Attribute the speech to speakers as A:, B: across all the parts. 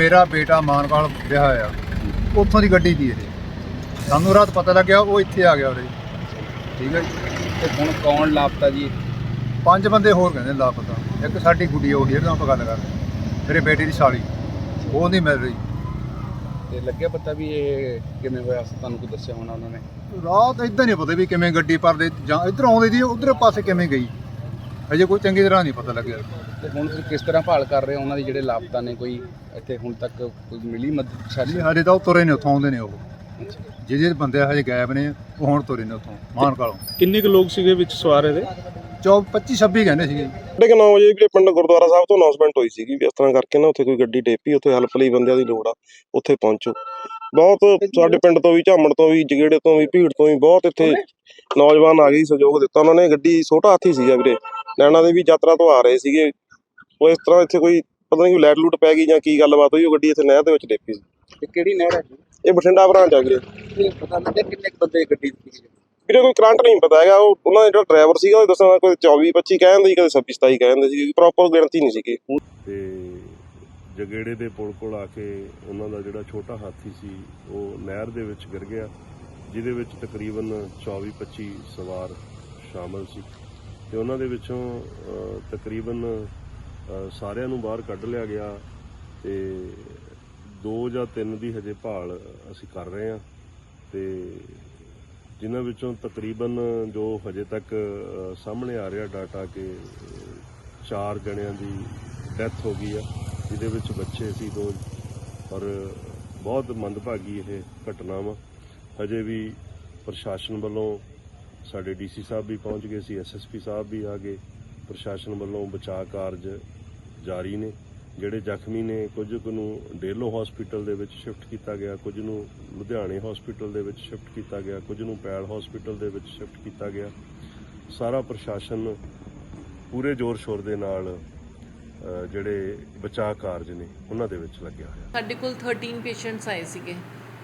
A: ਮੇਰਾ ਬੇਟਾ ਮਾਨਵਾਲ ਵਿਆਹ ਆ, ਉੱਥੋਂ ਦੀ ਗੱਡੀ ਦੀ ਇਹ। ਸਾਨੂੰ ਰਾਤ ਪਤਾ ਲੱਗਿਆ, ਉਹ ਇੱਥੇ ਆ ਗਿਆ ਉਰੇ। ਠੀਕ ਹੈ ਜੀ।
B: ਤੇ ਹੁਣ ਕੌਣ ਲਾਪਤਾ ਜੀ?
A: 5 ਬੰਦੇ ਹੋਰ ਕਹਿੰਦੇ ਲਾਪਤਾ। ਇੱਕ ਸਾਡੀ ਗੁੱਡੀ ਉਹ ਜਿਹਦੇ ਨਾਲ ਆਪਾਂ ਗੱਲ ਕਰ ਰਹੇ, ਮੇਰੇ ਬੇਟੇ ਦੀ ਸਾਲੀ, ਉਹ ਨਹੀਂ ਮਿਲ ਰਹੀ।
B: ਤੇ ਲੱਗਿਆ ਪਤਾ ਵੀ ਇਹ ਕਿਵੇਂ ਹੋਇਆ? ਤੁਹਾਨੂੰ ਕੋਈ ਦੱਸਿਆ ਹੋਣਾ ਉਹਨਾਂ ਨੇ?
A: ਰਾਤ ਇੱਦਾਂ ਨਹੀਂ ਪਤਾ ਵੀ ਕਿਵੇਂ ਗੱਡੀ ਭਰਦੇ ਜਾਂ ਇੱਧਰ ਆਉਂਦੀ ਦੀ ਉਧਰ ਪਾਸੇ ਕਿਵੇਂ ਗਈ, ਅਜੇ ਕੋਈ ਚੰਗੀ ਤਰ੍ਹਾਂ ਨਹੀਂ ਪਤਾ ਲੱਗਿਆ।
B: ਤੇ ਹੁਣ ਤੁਸੀਂ ਕਿਸ ਤਰ੍ਹਾਂ ਭਾਲ ਕਰ ਰਹੇ ਹੋ ਉਹਨਾਂ ਦੀ, ਜਿਹੜੇ ਲਾਪਤਾ ਨੇ? ਕੋਈ ਇੱਥੇ ਹੁਣ ਤੱਕ ਕੋਈ ਮਿਲੀ ਮਦਦ?
A: ਸਾਡੇ ਤਾਂ ਉਹ ਤੁਰੇ ਨੇ, ਉੱਥੋਂ ਆਉਂਦੇ ਨੇ ਉਹ ਜਿਹੜੇ ਬੰਦੇ ਹਜੇ ਗਾਇਬ ਨੇ, ਉਹ ਹੁਣ ਤੁਰੇ ਨੇ ਉੱਥੋਂ ਮਾਨਕਾਲੋਂ।
C: ਕਿੰਨੇ ਕੁ ਲੋਕ ਸੀਗੇ ਵਿੱਚ ਸਵਾਰ ਇਹਦੇ?
A: 25 26 ਕਹਿੰਦੇ ਸੀਗੇ।
D: 9:30 ਵਜੇ ਵੀਰੇ ਪਿੰਡ ਗੁਰਦੁਆਰਾ ਸਾਹਿਬ ਤੋਂ ਅਨਾਉਂਸਮੈਂਟ ਹੋਈ ਸੀਗੀ ਵੀ ਇਸ ਤਰ੍ਹਾਂ ਕਰਕੇ ਨਾ ਉੱਥੇ ਕੋਈ ਗੱਡੀ ਡੇਪੀ, ਉੱਥੇ ਹੈਲਪ ਲਈ ਬੰਦਿਆਂ ਦੀ ਲੋੜ ਆ, ਉੱਥੇ ਪਹੁੰਚੋ। ਬਹੁਤ ਸਾਡੇ ਪਿੰਡ ਤੋਂ ਵੀ, ਝਾਮਣ ਤੋਂ ਵੀ, ਜਗੇੜੇ ਤੋਂ ਵੀ, ਭੀੜ ਤੋਂ ਵੀ ਬਹੁਤ ਇੱਥੇ ਨੌਜਵਾਨ ਆ ਗਏ, ਸਹਿਯੋਗ ਦਿੱਤਾ ਉਹਨਾਂ ਨੇ। ਗੱਡੀ ਛੋਟਾ ਹਾਥੀ ਸੀਗਾ ਵੀਰੇ, ਨੈਣਾ ਦੇ ਵੀ ਯਾਤਰਾ ਤੋਂ ਆ ਰਹੇ ਸੀਗੇ। ਉਹ ਇਸ ਤਰ੍ਹਾਂ ਇੱਥੇ ਕੋਈ ਪਤਾ ਨਹੀਂ ਲੈਟ ਲੂਟ ਪੈ ਗਈ ਜਾਂ ਕੀ ਗੱਲਬਾਤ ਹੋਈ, ਉਹ ਗੱਡੀ ਇੱਥੇ ਨਹਿਰ ਦੇ ਵਿੱਚ ਡੇਪੀ ਸੀ।
B: ਤੇ ਕਿਹੜੀ ਨਹਿਰ ਹੈ?
D: ਇਹ ਬਠਿੰਡਾ ਬ੍ਰਾਂਚ ਆ ਵੀਰੇ।
B: ਇਹ ਪਤਾ ਲੱਗਿਆ ਕਿੰਨੇ ਬੰਦੇ ਗੱਡੀ ਸੀ?
D: ਵੀਰੇ ਕੋਈ ਕਰੰਟ ਨਹੀਂ ਪਤਾ ਹੈਗਾ। ਉਹ ਉਹਨਾਂ ਦਾ ਜਿਹੜਾ ਡਰਾਈਵਰ ਸੀਗਾ ਉਹ ਦੱਸਣਾ ਕੋਈ 24-25 ਕਹਿੰਦੇ ਸੀ, ਕਦੇ 26-27 ਕਹਿੰਦੇ ਸੀ, ਪ੍ਰੋਪਰ ਗਿਣਤੀ ਨਹੀਂ ਸੀਗੀ।
E: ਤੇ ਜਗੇੜੇ ਦੇ ਪੁਲ ਕੋਲ ਆ ਕੇ ਉਹਨਾਂ ਦਾ ਜਿਹੜਾ ਛੋਟਾ ਹਾਥੀ ਸੀ ਉਹ ਨਹਿਰ ਦੇ ਵਿੱਚ ਗਿਰ ਗਿਆ, ਜਿਹਦੇ ਵਿੱਚ ਤਕਰੀਬਨ 24-25 ਸਵਾਰ ਸ਼ਾਮਲ ਸੀ। ਤੇ ਉਹਨਾਂ ਦੇ ਵਿੱਚੋਂ ਤਕਰੀਬਨ ਸਾਰਿਆਂ ਨੂੰ ਬਾਹਰ ਕੱਢ ਲਿਆ ਗਿਆ ਤੇ 2 ਜਾਂ 3 ਦੀ ਹਜੇ ਭਾਲ ਅਸੀਂ ਕਰ ਰਹੇ ਹਾਂ। ਤੇ ਜਿਨ੍ਹਾਂ ਵਿੱਚੋਂ ਤਕਰੀਬਨ ਜੋ ਹਜੇ ਤੱਕ ਸਾਹਮਣੇ ਆ ਰਿਹਾ ਡਾਟਾ ਕਿ 4 ਜਣਿਆਂ ਦੀ ਡੈਥ ਹੋ ਗਈ ਆ, ਜਿਹਦੇ ਵਿੱਚ ਬੱਚੇ ਸੀ 2। ਔਰ ਬਹੁਤ ਮੰਦਭਾਗੀ ਇਹ ਘਟਨਾ ਵਾ। ਹਜੇ ਵੀ ਪ੍ਰਸ਼ਾਸਨ ਵੱਲੋਂ ਸਾਡੇ ਡੀਸੀ ਸਾਹਿਬ ਵੀ ਪਹੁੰਚ ਗਏ ਸੀ, ਐਸਐਸਪੀ ਸਾਹਿਬ ਵੀ ਆ ਗਏ। ਪ੍ਰਸ਼ਾਸਨ ਵੱਲੋਂ ਬਚਾਅ ਕਾਰਜ ਜਾਰੀ ਨੇ। ਜਿਹੜੇ ਜ਼ਖਮੀ ਨੇ, ਕੁਝ ਕੁ ਨੂੰ ਡੇਲੋ ਹਸਪੀਟਲ ਦੇ ਵਿੱਚ ਸ਼ਿਫਟ ਕੀਤਾ ਗਿਆ, ਕੁਝ ਨੂੰ ਲੁਧਿਆਣੇ ਹਸਪੀਟਲ ਦੇ ਵਿੱਚ ਸ਼ਿਫਟ ਕੀਤਾ ਗਿਆ, ਕੁਝ ਨੂੰ ਪੈਲ ਹਸਪੀਟਲ ਦੇ ਵਿੱਚ ਸ਼ਿਫਟ ਕੀਤਾ ਗਿਆ। ਸਾਰਾ ਪ੍ਰਸ਼ਾਸਨ ਪੂਰੇ ਜ਼ੋਰ ਸ਼ੋਰ ਦੇ ਨਾਲ ਜਿਹੜੇ ਬਚਾਅ ਕਾਰਜ ਨੇ ਉਹਨਾਂ ਦੇ ਵਿੱਚ ਲੱਗਿਆ ਹੋਇਆ।
F: ਸਾਡੇ ਕੋਲ 13 ਪੇਸ਼ੈਂਟਸ ਆਏ ਸੀਗੇ,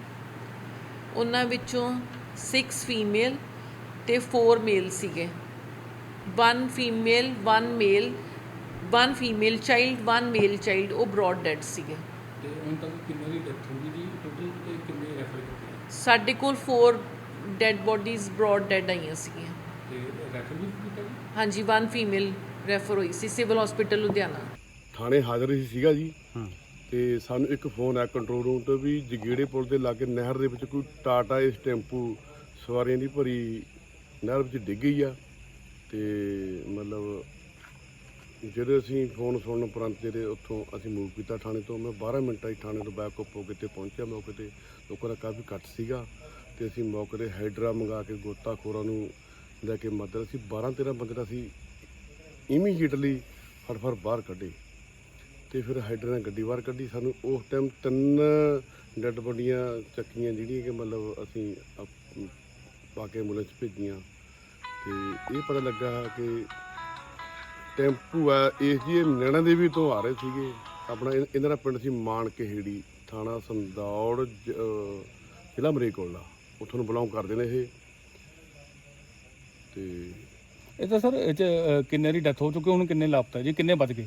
F: ਉਹਨਾਂ ਵਿੱਚੋਂ 6 ਫੀਮੇਲ ਤੇ 4 ਮੇਲ ਸੀਗੇ। 1 female 1 male, 1 female child, 1 male child, ਉਹ ਬ੍ਰੌਡ ਡੈਡ ਸੀਗੇ।
C: ਤੇ ਹੁਣ ਤੱਕ ਕਿੰਨੇ ਦੀ ਡੈਥ ਹੋ ਗਈ ਜੀ ਟੋਟਲ, ਤੇ ਕਿੰਨੇ ਰੈਫਰ ਕੀਤੇ?
F: ਸਾਡੇ ਕੋਲ 4 ਡੈਡ ਬੋਡੀਜ਼ ਬ੍ਰੌਡ ਡੈਡ ਆਈਆਂ ਸੀਗੀਆਂ।
C: ਤੇ ਰੈਫਰ ਵੀ ਕੀਤਾ ਜੀ?
F: ਹਾਂਜੀ, 1 ਫੀਮੇਲ ਰੈਫਰ ਹੋਈ ਸੀ ਸਿਵਲ ਹਸਪੀਟਲ ਲੁਧਿਆਣਾ।
D: ਥਾਣੇ ਹਾਜ਼ਰ ਹੀ ਸੀਗਾ ਜੀ। ਤੇ ਸਾਨੂੰ ਇੱਕ ਫੋਨ ਆਇਆ ਕੰਟਰੋਲ ਰੂਮ ਤੋਂ ਵੀ ਜਗੇੜੇ ਪੁਲ ਦੇ ਲਾਗੇ ਨਹਿਰ ਦੇ ਵਿੱਚ ਕੋਈ ਟਾਟਾ ਇਸ ਟੈਂਪੂ ਸਵਾਰੀਆਂ ਦੀ ਭਰੀ ਨਹਿਰ ਵਿੱਚ ਡਿੱਗ ਗਈ ਆ। ਤੇ ਮਤਲਬ ਜਿਹੜੇ ਅਸੀਂ ਫੋਨ ਸੁਣਨ ਉਪਰੰਤ ਜਿਹੜੇ ਉੱਥੋਂ ਅਸੀਂ ਮੂਵ ਕੀਤਾ ਥਾਣੇ ਤੋਂ। ਮੈਂ 12 ਮਿੰਟਾਂ 'ਚ ਥਾਣੇ ਤੋਂ ਬੈਕਅਪ ਹੋ ਕੇ ਤੇ ਪਹੁੰਚਿਆ ਮੌਕੇ 'ਤੇ। ਲੋਕਾਂ ਦਾ ਕਾਫੀ ਘੱਟ ਸੀਗਾ ਤੇ ਅਸੀਂ ਮੌਕੇ 'ਤੇ ਹਾਈਡਰਾ ਮੰਗਾ ਕੇ ਗੋਤਾਖੋਰਾਂ ਨੂੰ ਲੈ ਕੇ ਮਦਦ, ਅਸੀਂ 12-13 ਬੰਦੇ ਦਾ ਅਸੀਂ ਇਮੀਡੀਏਟਲੀ ਫਟਫਟ ਬਾਹਰ ਕੱਢੇ। ਤੇ ਫਿਰ ਹਾਈਡਰਾ ਨੇ ਗੱਡੀ ਬਾਹਰ ਕੱਢੀ। ਸਾਨੂੰ ਉਸ ਟਾਈਮ 3 ਡੈੱਡ ਬੋਡੀਆਂ ਚੱਕੀਆਂ, ਜਿਹੜੀਆਂ ਕਿ ਮਤਲਬ ਅਸੀਂ ਪਾ ਕੇ ਐਂਬੂਲੈਂਸ ਭੇਜੀਆਂ। ਤੇ ਇਹ ਪਤਾ ਲੱਗਾ ਕਿ ਟੈਂਪੂ ਆ ਇਸ ਜੀ ਨੈਣਾ ਦੇਵੀ ਤੋਂ ਆ ਰਹੇ ਸੀਗੇ। ਆਪਣਾ ਇਹਨਾਂ ਦਾ ਪਿੰਡ ਸੀ ਮਾਨਕਹੇੜੀ, ਥਾਣਾ ਸੰਦੌੜ, ਜ਼ਿਲ੍ਹਾ ਮਰੇਕੋਲਾ, ਉੱਥੋਂ ਨੂੰ ਬਿਲੋਂਗ ਕਰਦੇ ਨੇ ਇਹ। ਤੇ
C: ਇਹ ਤਾਂ ਸਰ ਇਹ 'ਚ ਕਿੰਨੇ ਦੀ ਡੈਥ ਹੋ ਚੁੱਕੀ, ਹੁਣ ਕਿੰਨੇ ਲਾਪਤਾ ਜੀ, ਕਿੰਨੇ ਬਚ ਗਏ?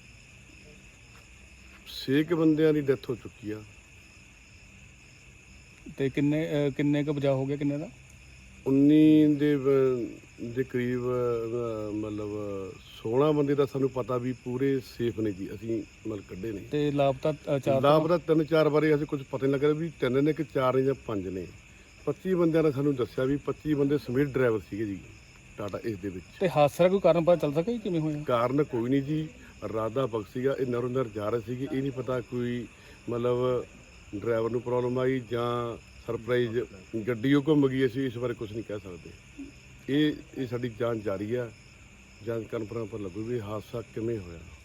D: 6 ਬੰਦਿਆਂ ਦੀ ਡੈਥ ਹੋ ਚੁੱਕੀ ਆ।
C: ਤੇ ਕਿੰਨੇ ਕੁ ਬਚਾਅ ਹੋ ਗਿਆ, ਕਿੰਨੇ ਦਾ?
D: 19 ਦੇ ਕਰੀਬ ਮਤਲਬ 16 ਬੰਦੇ ਦਾ ਸਾਨੂੰ ਪਤਾ ਵੀ ਪੂਰੇ ਸੇਫ ਨੇ ਜੀ, ਅਸੀਂ ਮਤਲਬ ਕੱਢੇ ਨੇ।
C: ਤੇ ਲਾਪਤਾ 4?
D: ਲਾਪਤਾ 3-4 ਬਾਰੇ ਅਸੀਂ ਕੁਝ ਪਤਾ ਨਹੀਂ ਲੱਗ ਰਿਹਾ ਵੀ 3 ਨੇ ਕਿ 4 ਨੇ ਜਾਂ 5 ਨੇ। 25 ਬੰਦਿਆਂ ਨੇ ਸਾਨੂੰ ਦੱਸਿਆ ਵੀ 25 ਬੰਦੇ ਸਮੇਤ ਡਰਾਈਵਰ ਸੀਗੇ ਜੀ ਟਾਟਾ ਇਸ ਦੇ ਵਿੱਚ।
C: ਤੇ ਹਾਦਸੇ ਦਾ ਕੋਈ ਕਾਰਨ ਪਤਾ ਚੱਲ ਸਕਿਆ ਕਿਵੇਂ ਹੋਇਆ?
D: ਕਾਰਨ ਕੋਈ ਨਹੀਂ ਜੀ, ਰਾਤ ਦਾ ਵਕਤ ਸੀਗਾ, ਇਹ ਨਰੋਂ ਨਰ ਜਾ ਰਹੇ ਸੀਗੇ। ਇਹ ਨਹੀਂ ਪਤਾ ਕੋਈ ਮਤਲਬ ਡਰਾਈਵਰ ਨੂੰ ਪ੍ਰੋਬਲਮ ਆਈ ਜਾਂ ਸਰਪ੍ਰਾਈਜ਼ ਗੱਡੀ ਉਹ ਘੁੰਮ ਗਈ, ਅਸੀਂ ਇਸ ਬਾਰੇ ਕੁਝ ਨਹੀਂ ਕਹਿ ਸਕਦੇ। ਇਹ ਸਾਡੀ ਜਾਂਚ ਜਾਰੀ ਆ। ਜਾਂਚ ਕਰਨ ਪਰ ਲੱਗੂ ਵੀ ਹਾਦਸਾ ਕਿਵੇਂ ਹੋਇਆ।